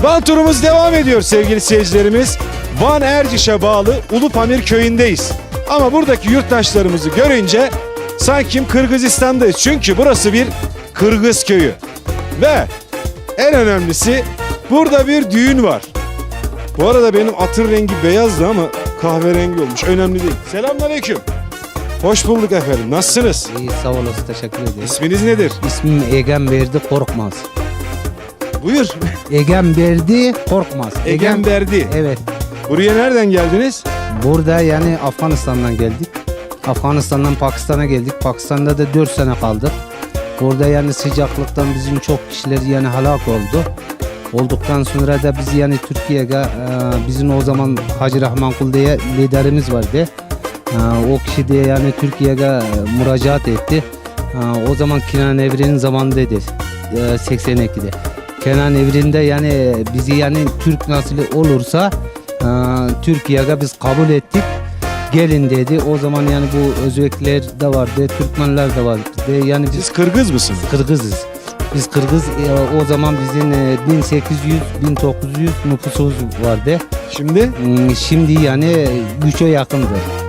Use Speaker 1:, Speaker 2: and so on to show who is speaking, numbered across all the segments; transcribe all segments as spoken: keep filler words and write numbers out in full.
Speaker 1: Van turumuz devam ediyor sevgili seyircilerimiz. Van Erciş'e bağlı Ulupamir köyündeyiz. Ama buradaki yurttaşlarımızı görünce sanki Kırgızistan'dayız. Çünkü burası bir Kırgız köyü. Ve en önemlisi burada bir düğün var. Bu arada benim atın rengi beyazdı ama kahverengi olmuş. Önemli değil. Selamünaleyküm. Hoş bulduk efendim. Nasılsınız?
Speaker 2: İyi, sağ olasın, teşekkür ederim.
Speaker 1: İsminiz nedir?
Speaker 2: İsmim Egen Berdi Korkmaz.
Speaker 1: Buyur.
Speaker 2: Egen Berdi Korkmaz.
Speaker 1: Egen Berdi.
Speaker 2: Evet.
Speaker 1: Buraya nereden geldiniz?
Speaker 2: Burada yani Afganistan'dan geldik. Afganistan'dan Pakistan'a geldik. Pakistan'da da dört sene kaldık. Orada yani sıcaklıktan bizim çok kişiler yani helak oldu. Olduktan sonra da biz yani Türkiye'ye e, bizim o zaman Hacı Rahmankul diye liderimiz vardı. E, o kişi de yani Türkiye'ye e, müracaat etti. E, o zaman Kenan Evren'in zamanındaydı. E, seksen ikide. Kenan Evren'de yani bizi yani Türk nasıl olursa e, Türkiye'ye biz kabul ettik. Gelin dedi. O zaman yani bu Özbekler de vardı, Türkmenler de vardı. Yani biz
Speaker 1: Siz Kırgız mısınız?
Speaker 2: Kırgızız. Biz Kırgız e, o zaman bizim e, bin sekiz yüz bin dokuz yüz nüfusumuz vardı.
Speaker 1: Şimdi?
Speaker 2: Hmm, Şimdi yani üçe yakındır.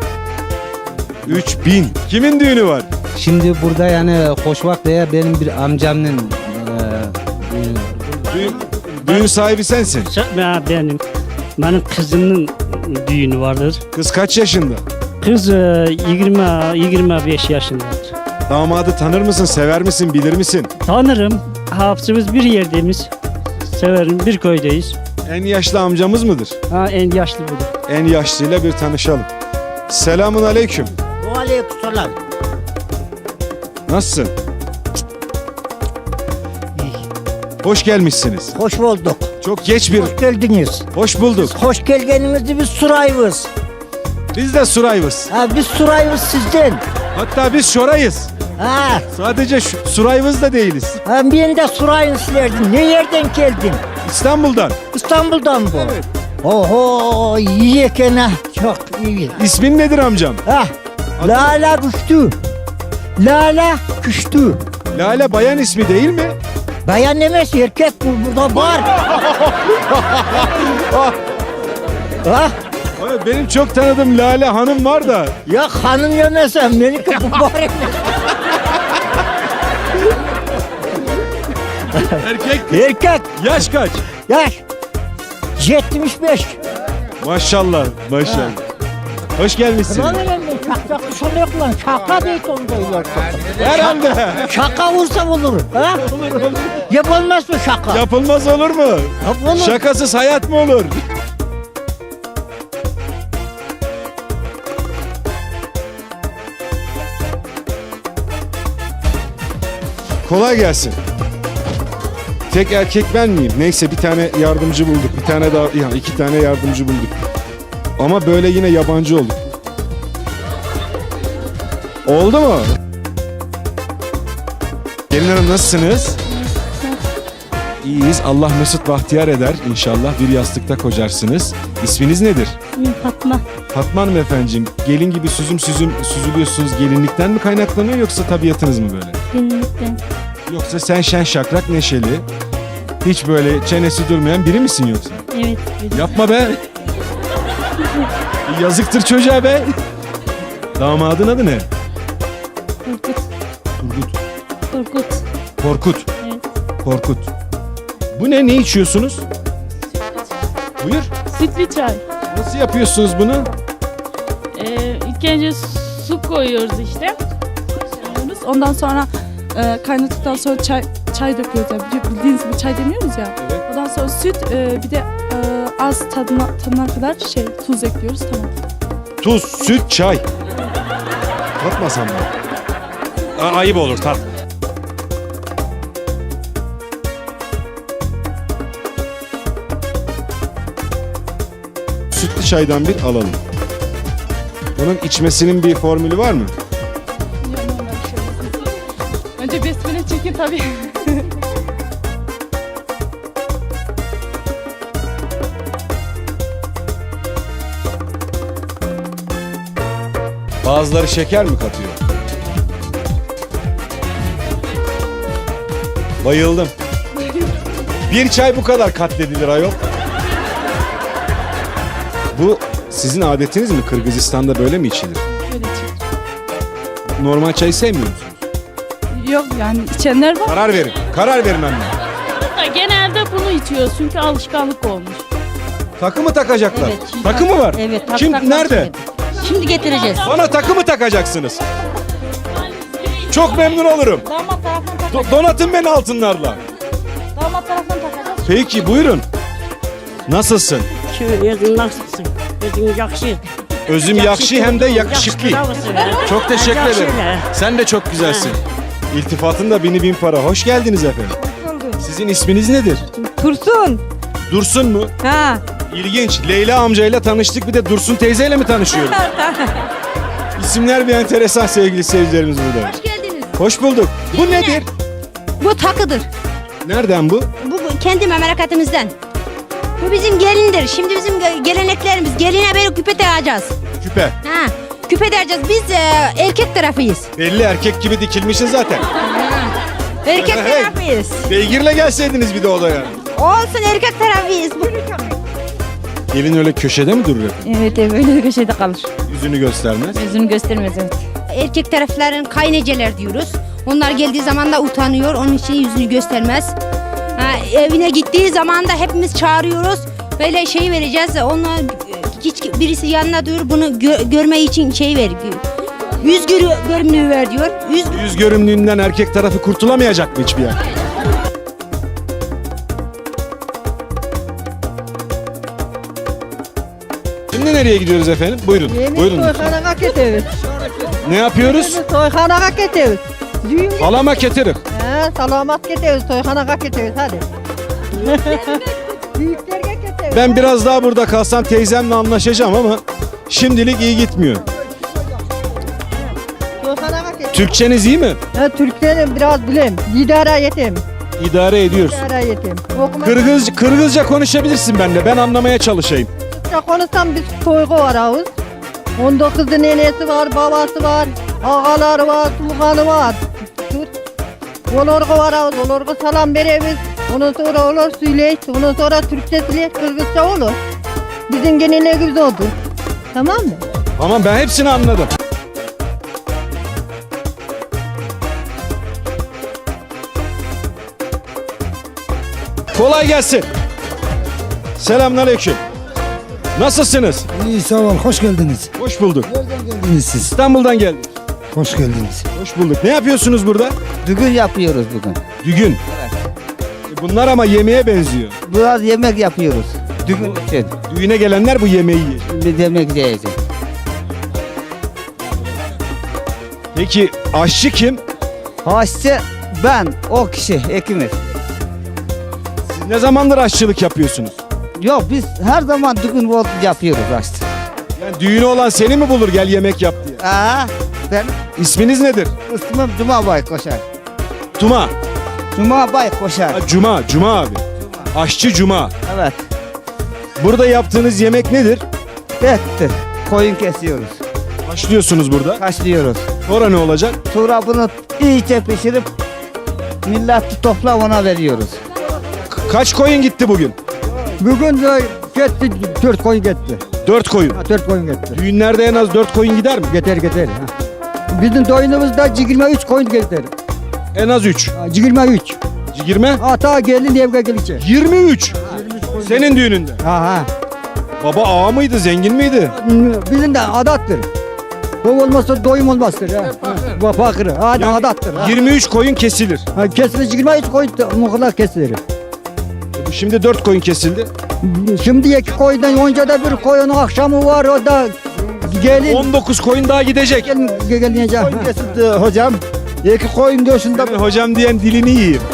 Speaker 1: üç bin. Kimin düğünü var?
Speaker 2: Şimdi burada yani Hoşvak diye benim bir amcamın e, düğünü var.
Speaker 1: Düğün, düğün sahibi sensin.
Speaker 3: Ben benim. Benim kızımın düğünü vardır.
Speaker 1: Kız kaç yaşında?
Speaker 3: Kız e, yirmi yirmi beş yaşındadır.
Speaker 1: Damadı tanır mısın, sever misin, bilir misin?
Speaker 3: Tanırım. Hapsımız bir yerdeyiz. Severim. Bir köydeyiz.
Speaker 1: En yaşlı amcamız mıdır?
Speaker 3: Ha, en yaşlı budur.
Speaker 1: En yaşlıyla bir tanışalım. Selamun aleyküm.
Speaker 4: Aleykümselam.
Speaker 1: Nasılsın? Hoş gelmişsiniz.
Speaker 4: Hoş bulduk.
Speaker 1: Çok geç bir...
Speaker 4: Hoş geldiniz.
Speaker 1: Hoş bulduk.
Speaker 4: Hoş geldiğinizde biz surayız.
Speaker 1: Biz de Surayvız.
Speaker 4: Ha, biz surayız sizden.
Speaker 1: Hatta biz Şorayız.
Speaker 4: Ha,
Speaker 1: Sadece şu, Surayvız da değiliz.
Speaker 4: ha ben de surayın silerdin. Ne yerden geldin?
Speaker 1: İstanbul'dan.
Speaker 4: İstanbul'dan bu.
Speaker 1: Evet.
Speaker 4: Oho, iyi gene. Çok iyi.
Speaker 1: İsmin nedir amcam?
Speaker 4: Ha, Lala Kuştu. Lala Kuştu.
Speaker 1: Lale bayan ismi değil mi?
Speaker 4: Bayan demez, erkek bu burada var. Ha,
Speaker 1: Evet, benim çok tanıdığım Lale Hanım var da.
Speaker 4: ya hanım yemesem, Melike bu var.
Speaker 1: Erkek.
Speaker 4: Erkek,
Speaker 1: Yaş kaç?
Speaker 4: yaş yetmiş beş.
Speaker 1: Maşallah, maşallah. Hoş gelmişsin.
Speaker 4: Lan öyle şaka kuşun yok lan. Şaka değil onda yok.
Speaker 1: Herhalde.
Speaker 4: Şaka vursam olur. Ha? Olur olur. Yapılmaz mı şaka?
Speaker 1: Yapılmaz olur mu?
Speaker 4: Yapılır.
Speaker 1: Şakasız hayat mı olur? Kolay gelsin. Tek erkek ben miyim? Neyse bir tane yardımcı bulduk. Bir tane daha, yani iki tane yardımcı bulduk. Ama böyle yine yabancı olduk. Oldu mu? Gelin Hanım nasılsınız? İyiyiz. Allah mesut bahtiyar eder inşallah. Bir yastıkta kocarsınız. İsminiz nedir?
Speaker 5: İsmim Fatma.
Speaker 1: Fatma Hanım efendiciğim. Gelin gibi süzüm süzüm süzülüyorsunuz. Gelinlikten mi kaynaklanıyor yoksa tabiatınız mı böyle?
Speaker 5: Gelinlikten.
Speaker 1: Yoksa sen şen şakrak neşeli, hiç böyle çenesi durmayan biri misin yoksa?
Speaker 5: Evet. benim.
Speaker 1: Yapma be. Yazıktır çocuğa be. Damadın adı ne?
Speaker 5: Korkut.
Speaker 1: Turgut.
Speaker 5: Korkut.
Speaker 1: Korkut.
Speaker 5: Evet.
Speaker 1: Korkut. Bu ne? Ne içiyorsunuz? Buyur.
Speaker 5: Sütlü çay.
Speaker 1: Nasıl yapıyorsunuz bunu?
Speaker 5: Ee, ilk önce su koyuyoruz işte. Koyuyoruz. Ondan sonra e, kaynadıktan sonra çay çay döküyoruz. Yani bildiğiniz gibi çay demiyoruz ya.
Speaker 1: Evet.
Speaker 5: Ondan sonra süt e, bir de e, az tadına, tadına kadar şey tuz ekliyoruz. Tamam.
Speaker 1: Tuz, süt, çay. Tatmasam mı? A- ayıp olur tat. Sütlü çaydan bir alalım. Bunun içmesinin bir formülü var mı?
Speaker 5: Önce besmele çekin tabii.
Speaker 1: Bazıları şeker mi katıyor? Bayıldım. Bir çay bu kadar katledilir ayol. Bu sizin adetiniz mi? Kırgızistan'da böyle mi içilir?
Speaker 5: Böyle içilir.
Speaker 1: Normal çayı sevmiyor musunuz?
Speaker 5: Yok yani içenler var.
Speaker 1: Karar verin. Karar verin anne.
Speaker 6: Da genelde bunu içiyoruz çünkü alışkanlık olmuş.
Speaker 1: Takı mı takacaklar?
Speaker 7: Evet, şimdi-
Speaker 1: Takı mı var?
Speaker 7: Evet. tak-
Speaker 1: Kim
Speaker 7: takmak
Speaker 1: nerede?
Speaker 7: için. Şimdi getireceğiz.
Speaker 1: Bana takı mı takacaksınız? Çok memnun olurum.
Speaker 7: Damat tarafından
Speaker 1: Do-
Speaker 7: takacağız.
Speaker 1: donatın beni altınlarla.
Speaker 7: Damat tarafından takacağız.
Speaker 1: Peki buyurun. Nasılsın?
Speaker 8: Özün nasılsın? Özün yakşı.
Speaker 1: Özüm yakşı hem de yakışıklı. Çok teşekkür
Speaker 8: Yakşı
Speaker 1: ederim.
Speaker 8: ne?
Speaker 1: Sen de çok güzelsin. İltifatın da bini bin para. Hoş geldiniz efendim. Sizin isminiz nedir?
Speaker 9: Tursun.
Speaker 1: Dursun mu?
Speaker 9: Ha.
Speaker 1: İlginç. Leyla amcayla tanıştık, bir de Dursun teyzeyle mi tanışıyoruz? İsimler bir enteresan sevgili seyircilerimiz burada.
Speaker 7: Hoş geldiniz.
Speaker 1: Hoş bulduk. Bu nedir?
Speaker 7: Bu takıdır.
Speaker 1: Nereden bu?
Speaker 7: Bu bu kendi memleketimizden. Bu bizim gelindir. Şimdi bizim ge- geleneklerimiz. Geline böyle küpe takacağız.
Speaker 1: Küpe.
Speaker 7: Ha. Küpe takacağız. Biz e, erkek tarafıyız.
Speaker 1: Belli erkek gibi dikilmişsin zaten.
Speaker 7: Erkek
Speaker 1: Hey.
Speaker 7: tarafıyız.
Speaker 1: Beygirle gelseydiniz bir de odaya.
Speaker 7: Olsun erkek tarafıyız.
Speaker 1: Gelin öyle köşede mi durur?
Speaker 9: Evet, evet böyle köşede kalır.
Speaker 1: Yüzünü göstermez.
Speaker 9: Yüzünü göstermez evet.
Speaker 7: Erkek tarafların kayneceler diyoruz. Onlar geldiği zaman da utanıyor. Onun için yüzünü göstermez. Ha, evine gittiği zaman da hepimiz çağırıyoruz. Böyle şey vereceğiz. Ona hiç birisi yanına diyor bunu gö- görme için şey ver. Yüz görü görünümü ver diyor. Yüz
Speaker 1: Yüz görümlüğünden erkek tarafı kurtulamayacak mı hiçbir yer? Şimdi nereye gidiyoruz efendim? Buyurun. Buyurun. lütfen.
Speaker 9: Soyxanağa gidiyoruz.
Speaker 1: Ne yapıyoruz?
Speaker 9: Soyxanağa gidiyoruz. Düğün
Speaker 1: Halama getirin.
Speaker 9: He, salamat gidiyoruz. Soyxanağa gidiyoruz hadi. Büyüklerge gidiyoruz.
Speaker 1: Ben biraz daha burada kalsam teyzemle anlaşacağım ama şimdilik iyi gitmiyor.
Speaker 9: Soyxanağa gidiyoruz.
Speaker 1: Türkçeniz iyi mi?
Speaker 9: Ha, Türklerim biraz bileyim. İdare yetim.
Speaker 1: İdare ediyorsun.
Speaker 9: İdare yetim. Okuma
Speaker 1: Kırgız, Kırgızca konuşabilirsin benimle. Ben anlamaya çalışayım.
Speaker 9: konuşsam biz soygu var ağız. on dokuzda nenesi var, babası var, ağaları var, tuğanı var. Tut. Olorgu var ağız, olorgu salam veremiz. Ondan sonra olur söyleyiz, ondan sonra Türkçe söyleyiz, Kırgızca olur. Bizim geleneğimiz odur. Tamam mı?
Speaker 1: Tamam, ben hepsini anladım. Kolay gelsin. Selamünaleyküm. Nasılsınız?
Speaker 10: İyi sağ ol, hoş geldiniz.
Speaker 1: Hoş bulduk.
Speaker 10: Nereden geldiniz siz?
Speaker 1: İstanbul'dan geldik.
Speaker 10: Hoş geldiniz.
Speaker 1: Hoş bulduk. Ne yapıyorsunuz burada?
Speaker 2: Düğün yapıyoruz bugün.
Speaker 1: Düğün. E Bunlar ama yemeğe benziyor.
Speaker 2: Biraz yemek yapıyoruz. Düğün için.
Speaker 1: Düğüne gelenler bu yemeği yiyecek.
Speaker 2: Şimdi yemek yiyeceğiz.
Speaker 1: Peki aşçı kim?
Speaker 2: Haşçı ben, o kişi, ikimiz.
Speaker 1: Siz ne zamandır aşçılık yapıyorsunuz?
Speaker 2: Yok biz her zaman düğün oldu yapıyoruz haşçı.
Speaker 1: Yani düğünü olan seni mi bulur gel yemek yap diye?
Speaker 2: Aa, ben
Speaker 1: İsminiz nedir?
Speaker 2: ismim Cuma Bay Koşar.
Speaker 1: Tuma.
Speaker 2: Cuma Bay Koşar.
Speaker 1: Ha, Cuma. Cuma abi. Aşçı Cuma.
Speaker 2: Evet.
Speaker 1: Burada yaptığınız yemek nedir?
Speaker 2: Ettir. Koyun kesiyoruz.
Speaker 1: Haşlıyorsunuz burada.
Speaker 2: Haşlıyoruz.
Speaker 1: Sonra ne olacak?
Speaker 2: Sonra bunu iyice pişirip milleti topla ona veriyoruz.
Speaker 1: K- kaç koyun gitti bugün?
Speaker 10: Bugün de gitti, dört koyun gitti.
Speaker 1: Dört koyun.
Speaker 10: Ha, dört koyun gitti.
Speaker 1: Düğünlerde en az dört koyun gider mi?
Speaker 10: Getir getir. Ha. Bizim doyunumuzda yirmi üç koyun getir.
Speaker 1: En az üç.
Speaker 10: Ha, yirmi üç.
Speaker 1: Yirmi?
Speaker 10: Ata gelin evde gelecek.
Speaker 1: Yirmi üç. Senin düğününde.
Speaker 10: Ha ha.
Speaker 1: Baba ağa mıydı, zengin miydi?
Speaker 10: Bizim de adattır. Bu olmazsa doyum olmazdır. Ha. Bu fakir. Ha,
Speaker 1: Yani
Speaker 10: adattır. Ha.
Speaker 1: yirmi üç koyun kesilir.
Speaker 10: Ha, kesilir yirmi üç koyun muhlar kesilir.
Speaker 1: E bu Şimdi dört koyun kesildi.
Speaker 10: Şimdi iki koyundan önce de bir koyunun akşamı var o da gelin.
Speaker 1: on dokuz koyun daha gidecek.
Speaker 10: Gelin gelince. Kesildi hocam. İki koyun döşünde.
Speaker 1: Senin hocam diyen dilini yiyeyim.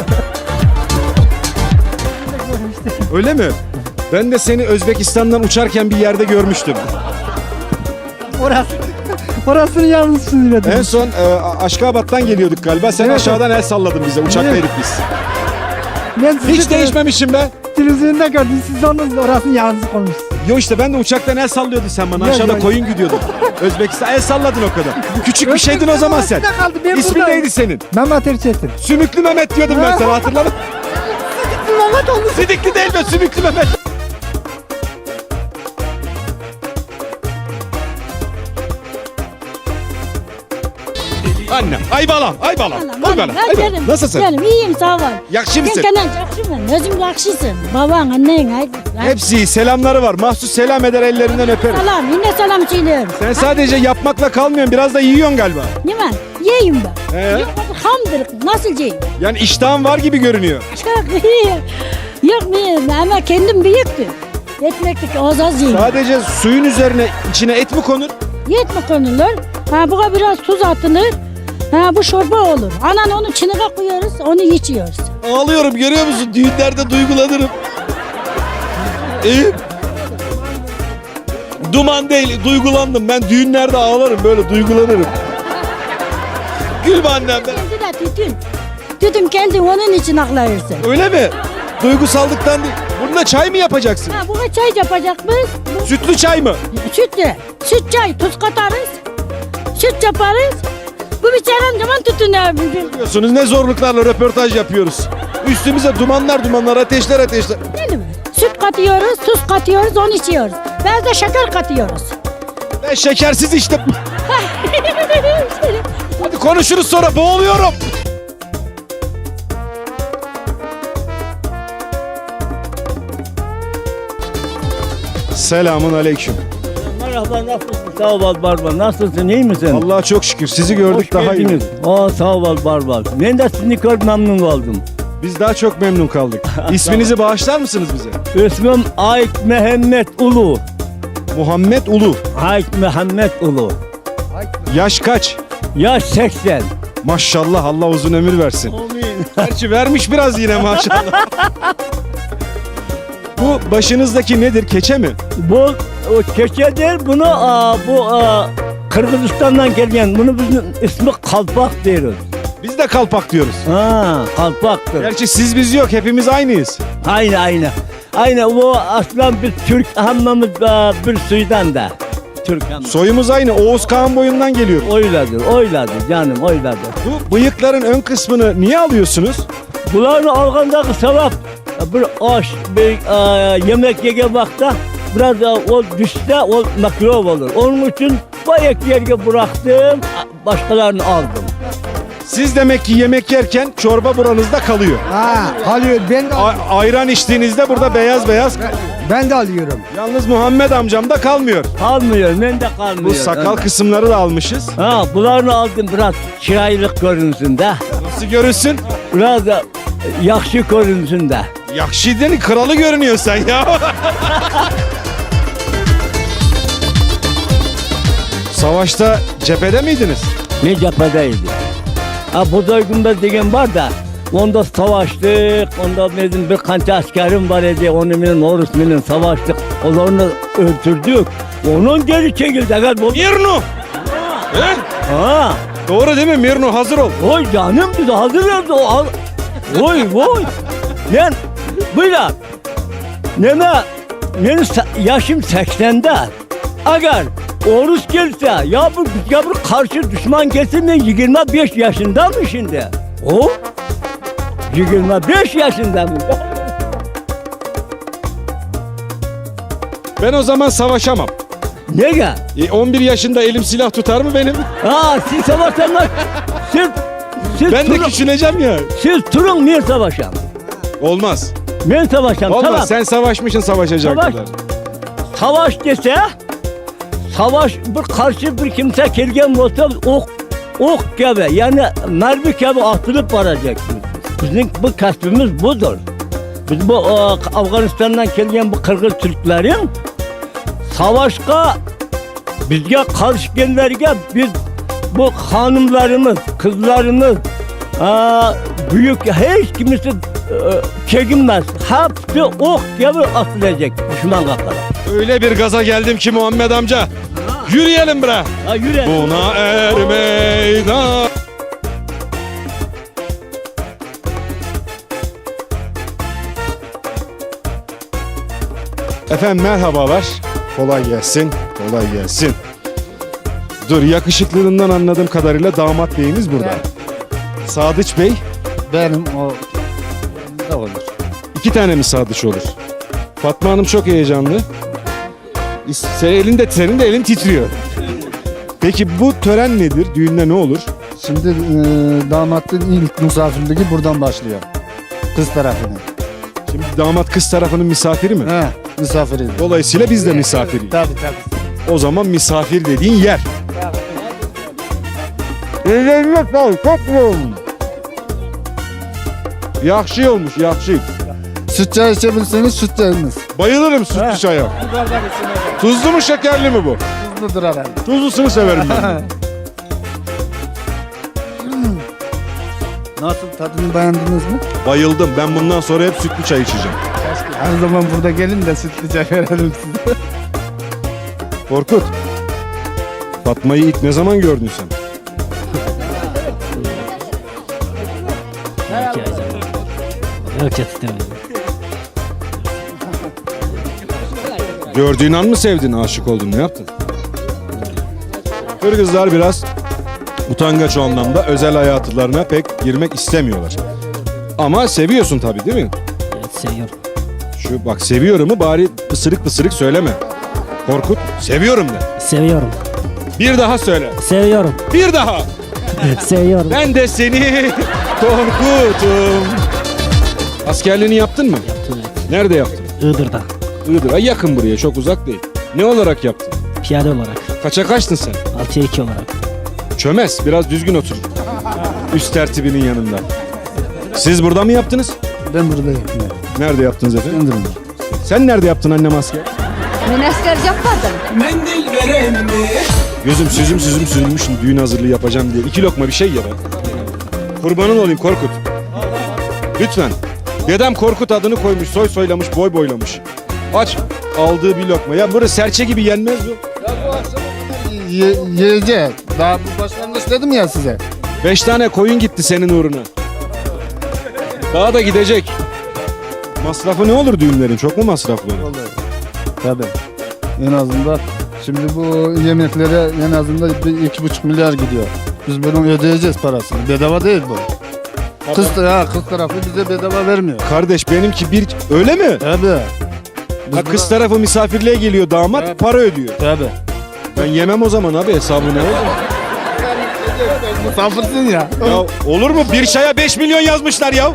Speaker 1: Öyle mi? Ben de seni Özbekistan'dan uçarken bir yerde görmüştüm.
Speaker 10: Orası. Orasını yalnız söyledim.
Speaker 1: En son e, Aşkabat'tan geliyorduk galiba. Sen
Speaker 10: Evet.
Speaker 1: aşağıdan el salladın bize. Uçaktaydık biz.
Speaker 10: Ben sizi
Speaker 1: Hiç değişmemişim ben.
Speaker 10: televizyonda gördüm. Siz yalnız orasını yalnız konuştunuz.
Speaker 1: Yo işte ben de uçaktan el sallıyordun sen bana.
Speaker 10: Yok,
Speaker 1: Aşağıda
Speaker 10: yok.
Speaker 1: koyun gidiyordun. Özbekistan el salladın o kadar. Küçük bir şeydin o zaman sen.
Speaker 10: Orasında kaldı, ben
Speaker 1: İsmin
Speaker 10: buradayım.
Speaker 1: neydi senin?
Speaker 10: Mehmet Erçetin.
Speaker 1: Sümüklü Mehmet diyordum ben sana hatırladın.
Speaker 10: Mehmet oldu.
Speaker 1: Sidikli değil mi? Sümüklü Mehmet. Anne, ay balam, ay balam. Ay balam, ay balam. Nasılsın?
Speaker 8: Canım iyiyim sağ ol.
Speaker 1: Yakşı mısın?
Speaker 8: Sen yakışımın. Özüm yakışısın. Baban, annen. Haydi.
Speaker 1: Hepsi selamları var. Mahsus selam eder, ellerinden öperim.
Speaker 8: Selam. Yine selam söylüyorum.
Speaker 1: Sen sadece yapmakla kalmıyorsun, biraz da yiyorsun galiba.
Speaker 8: Ne var? Yiyeyim ben.
Speaker 1: He?
Speaker 8: Yok hamdır. Nasıl yiyeyim?
Speaker 1: Yani iştahın var gibi görünüyor.
Speaker 8: Çok iyi. Yok muyum ama kendim büyüktü. Yetmektik az az yiyeyim.
Speaker 1: Sadece suyun üzerine içine et mi konur?
Speaker 8: Yetme konulur. Ha buna biraz tuz atılır. Ha bu çorba olur. Anan onu çınığa koyuyoruz, onu içiyoruz.
Speaker 1: Ağlıyorum, görüyor musun? Düğünlerde duygulanırım. İyi. Duman değil, duygulandım. Ben düğünlerde ağlarım, böyle duygulanırım. Gülme annem be.
Speaker 8: Kendi de tütün. Tütün kendi onun için ağlayırsın.
Speaker 1: Öyle mi? Duygusallıktan değil. Bununla çay mı yapacaksın?
Speaker 8: Ha buna çay yapacak mıyız? Bu
Speaker 1: Sütlü çay mı?
Speaker 8: sütlü. Süt çay, tuz katarız. Süt yaparız. Bu bir çayın zaman tütün abi.
Speaker 1: Biliyorsunuz ne zorluklarla röportaj yapıyoruz. Üstümüze dumanlar dumanlar, ateşler ateşler.
Speaker 8: Değil mi? Süt katıyoruz, tuz katıyoruz, onu içiyoruz. Biraz da şeker katıyoruz.
Speaker 1: Ben şekersiz içtim. Hadi konuşuruz sonra, boğuluyorum. Selamun aleyküm.
Speaker 4: Merhaba, nasılsın? Sağ ol Barbar. Nasılsın? İyi misin?
Speaker 1: Allah'a çok şükür sizi gördük, daha iyi.
Speaker 4: geldiniz. Aa, sağ ol Barbar. Ben de sizi gördüm, memnun oldum.
Speaker 1: Biz daha çok memnun kaldık. İsminizi bağışlar mısınız bize?
Speaker 4: İsmim Ait Mehmet Ulu.
Speaker 1: Muhammed Ulu.
Speaker 4: Ait Mehmet Ulu.
Speaker 1: Yaş kaç?
Speaker 4: Yaş seksen.
Speaker 1: Maşallah, Allah uzun ömür versin.
Speaker 4: Amin.
Speaker 1: Gerçi vermiş biraz yine maşallah. Bu başınızdaki nedir? Keçe mi?
Speaker 4: Bu o keçe değil, bunu aa, bu aa, Kırgızistan'dan gelen, bunu bizim ismi kalpak diyoruz.
Speaker 1: Biz de kalpak diyoruz.
Speaker 4: Ha, kalpaktır.
Speaker 1: Gerçi siz biz yok, hepimiz aynıyız.
Speaker 4: Aynı aynı. Aynı bu aslan bir Türk hammamız aa, bir suydan da. Türk hammamı.
Speaker 1: Soyumuz aynı, Oğuz Kağan boyundan geliyor.
Speaker 4: Oyladır, oyladır canım, oyladır.
Speaker 1: Bu bıyıkların ön kısmını niye alıyorsunuz?
Speaker 4: Bunların algandaki sevap bir aş, bir e, yemek yege vakta biraz da o düşse o mikrop olur. Onun için bayağı yerge bıraktım, başkalarını aldım.
Speaker 1: Siz demek ki yemek yerken çorba buranızda kalıyor.
Speaker 10: Ha, kalıyor. Ben de,
Speaker 1: A- ayran içtiğinizde burada beyaz beyaz.
Speaker 10: ben de alıyorum.
Speaker 1: Yalnız Muhammed amcam da kalmıyor.
Speaker 4: Kalmıyor, ben de kalmıyor.
Speaker 1: Bu sakal kısımları da almışız.
Speaker 4: Ha, bunlarını aldım biraz çiraylık görünsün de.
Speaker 1: Nasıl görünsün?
Speaker 4: Biraz da yakşı görünsün de.
Speaker 1: Yakşi'nin kralı görünüyor sen ya. Savaşta cephede miydiniz?
Speaker 4: Ne cephedeydi. Ha, bu duygumda degen var da onda savaştık, onda bizim bir kanca askerim var idi, onu benim Norus benim savaştık, onları öldürdük. Onun geri çekildi. Evet, bu...
Speaker 1: Mirnu! He?
Speaker 4: Ha,
Speaker 1: Doğru değil mi Mirnu? Hazır ol.
Speaker 4: oy canım biz hazırlardı o. al- Oy oy. Ben böyle neme benim se- yaşım seksende. Eğer Orus gelse ya bu ya bu karşı düşman gelsin ben yirmi beş yaşında mı şimdi? O yirmi beş yaşında mı?
Speaker 1: Ben o zaman savaşamam.
Speaker 4: Neye?
Speaker 1: E, on bir yaşında elim silah tutar mı benim?
Speaker 4: Ha, siz savaşanlar siz siz
Speaker 1: Ben de
Speaker 4: turun,
Speaker 1: küçüleceğim ya.
Speaker 4: siz turun ben savaşam.
Speaker 1: Olmaz.
Speaker 4: Ben savaşam.
Speaker 1: Olmaz.
Speaker 4: Tamam.
Speaker 1: Sen savaşmışsın savaşacak
Speaker 4: Savaş.
Speaker 1: kadar.
Speaker 4: Savaş dese savaş bir karşı bir kimse gelgen olsa ok ok gibi yani mermi gibi atılıp varacaksınız. Bizim bu kasbimiz budur. Biz bu o, Afganistan'dan gelen bu Kırgız Türklerin savaşka bizge karşı gelenlerge biz bu hanımlarımız, kızlarımız aa, büyük hiç kimisi e, çekinmez. Hepsi ok gibi atılacak düşman kakara.
Speaker 1: Öyle bir gaza geldim ki Muhammed amca. Yürüyelim bre.
Speaker 4: Ha, yürü.
Speaker 1: Buna er meydan. Efendim merhabalar. Kolay gelsin. Kolay gelsin. Dur, yakışıklılığından anladığım kadarıyla damat beyimiz burada. Sadıç Bey
Speaker 2: Benim o da olur.
Speaker 1: İki tane mi sadıç olur? Fatma Hanım çok heyecanlı. Sen elinde, senin de elin titriyor. Peki bu tören nedir? Düğünde ne olur?
Speaker 10: Şimdi e, damatın ilk misafirliği buradan başlıyor. Kız tarafının.
Speaker 1: Şimdi damat kız tarafının misafiri mi?
Speaker 10: He, misafiri.
Speaker 1: Dolayısıyla biz de misafiriyiz.
Speaker 10: Tabii tabii.
Speaker 1: O zaman misafir dediğin yer. Ellerine sağlık, çok mu olmuş? Yakşı olmuş, yakşı.
Speaker 10: Süt çay içebilirseniz süt çayınız.
Speaker 1: Bayılırım sütlü çaya. Tuzlu mu şekerli mi bu?
Speaker 10: Tuzludur herhalde.
Speaker 1: Tuzlusunu severim ben.
Speaker 10: Nasıl, tadını beğendiniz mi?
Speaker 1: Bayıldım. Ben bundan sonra hep sütlü çay içeceğim.
Speaker 10: Her zaman burada gelin de sütlü çay verelim size.
Speaker 1: Korkut. Fatma'yı ilk ne zaman gördün sen?
Speaker 3: Yok istemedim.
Speaker 1: Gördüğün an mı sevdin, aşık oldun, ne yaptın? Kırgızlar biraz utangaç o anlamda, özel hayatlarına pek girmek istemiyorlar. Ama seviyorsun tabii, değil mi?
Speaker 3: Evet, seviyorum.
Speaker 1: Şu bak, seviyorumu bari pısırık pısırık söyleme. Korkut, seviyorum de.
Speaker 3: Seviyorum.
Speaker 1: Bir daha söyle.
Speaker 3: Seviyorum.
Speaker 1: Bir daha.
Speaker 3: Seviyorum.
Speaker 1: Ben de seni Korkut'um. Askerliğini yaptın mı?
Speaker 3: Yaptım, evet.
Speaker 1: Nerede yaptın?
Speaker 3: Iğdır'da.
Speaker 1: Iğdır. Ay, yakın buraya, çok uzak değil. Ne olarak yaptın?
Speaker 3: Piyade olarak.
Speaker 1: Kaça kaçtın sen?
Speaker 3: altıya iki olarak.
Speaker 1: Çömez, biraz düzgün otur. Üst tertibinin yanında. Siz burada mı yaptınız?
Speaker 10: Ben buradayım.
Speaker 1: Nerede yaptınız efendim?
Speaker 10: Endiririm.
Speaker 1: Sen nerede yaptın annem asker?
Speaker 7: Ben asker yapmadım.
Speaker 1: Gözüm süzüm süzüm sürmüş, düğün hazırlığı yapacağım diye. İki lokma bir şey ye be. Kurbanın olayım Korkut. Lütfen. Dedem Korkut adını koymuş, soy soylamış, boy boylamış. Aç, aldığı bir lokma. Ya burası serçe gibi yenmez bu.
Speaker 10: Ye, yiyecek. Daha bu başlangıç dedim ya size.
Speaker 1: Beş tane koyun gitti senin uğruna. Daha da gidecek. Masrafı ne olur düğünlerin? Çok mu masraflı olur?
Speaker 10: Tabii. En azından şimdi bu yemeklere en azından bir iki buçuk milyar gidiyor. Biz bunu ödeyeceğiz parasını. Bedava değil bu. Kız, ha, kız tarafı bize bedava vermiyor.
Speaker 1: Kardeş benimki bir... Öyle mi?
Speaker 10: Tabii. Biz
Speaker 1: Ha, kız tarafı misafirliğe geliyor, damat
Speaker 10: Evet.
Speaker 1: para ödüyor.
Speaker 10: Tabii.
Speaker 1: Ben yemem o zaman abi, hesabı ne olur?
Speaker 10: Misafirsın ya.
Speaker 1: Ya olur mu? Bir çaya beş milyon yazmışlar ya.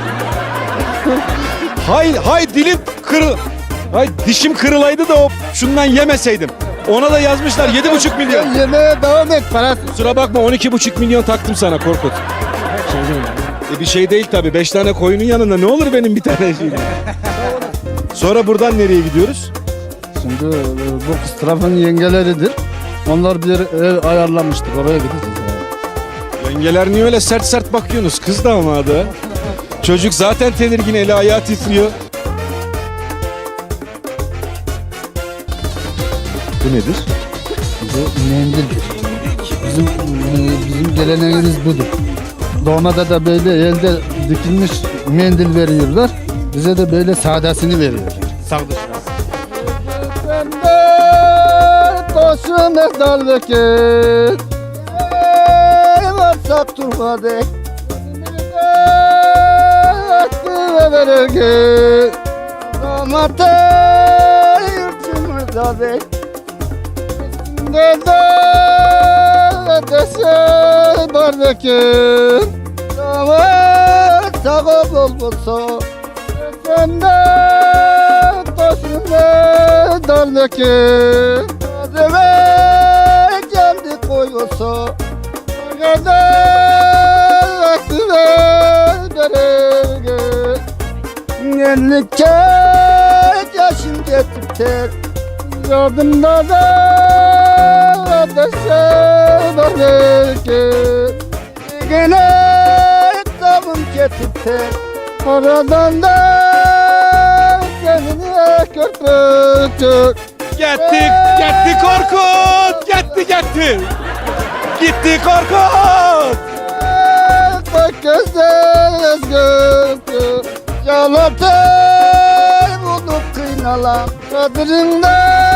Speaker 1: Hay hay dilim kırıl... Hay dişim kırılaydı da o şundan yemeseydim. Ona da yazmışlar yedi buçuk milyon.
Speaker 10: Yemeğe devam et parası.
Speaker 1: Kusura bakma, on iki buçuk milyon taktım sana Korkut.
Speaker 3: Şey değil.
Speaker 1: E bir şey değil tabii. Beş tane koyunun yanında ne olur benim bir tane şeyim. Sonra buradan nereye gidiyoruz?
Speaker 10: Şimdi e, bu kız tarafının yengeleridir. Onlar bir ev ayarlamıştık. Oraya gideceğiz. Yani.
Speaker 1: Yengeler niye öyle sert sert bakıyorsunuz? Kız damadı. Çocuk zaten tedirgin, eli ayağı titriyor. Bu nedir?
Speaker 10: Bu mendildir. Bizim e, bizim geleneğimiz budur. Doğumada da böyle elde dikilmiş mendil veriyorlar. Bize de böyle sadesini veriyor. Sağdışlar. Ben de taşım daldaki varsak durmadı. Aklı verirge Ramata yurtumuzda bek Dede dese barbekin Damat sağ bol bulsa Sen de taşında dalbekin Ademe geldi koyulsa Dede aklı verirge Yenlik yaşım getip ter Yardımda da ateşe barbekin Gene tabım getip ter Aradan da kendine körpütür
Speaker 1: Gitti, gitti Korkut! Gitti, gitti! Gitti Korkut!
Speaker 10: Bak gözler gözgür Yalatır bunu kıynalan Kadrinde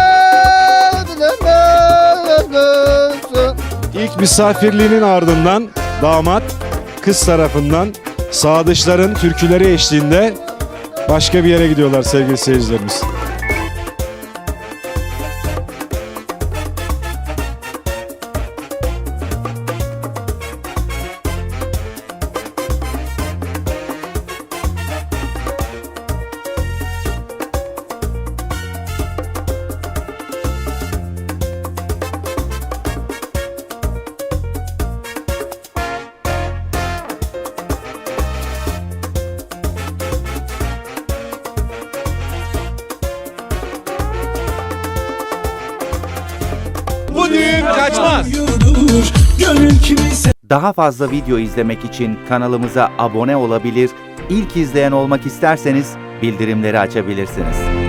Speaker 10: bilemezsin
Speaker 1: İlk misafirliğinin ardından damat kız tarafından sadıçların türküleri eşliğinde başka bir yere gidiyorlar sevgili seyircilerimiz. Bu düğün kaçmaz.
Speaker 11: Daha fazla video izlemek için kanalımıza abone olabilir, ilk izleyen olmak isterseniz bildirimleri açabilirsiniz.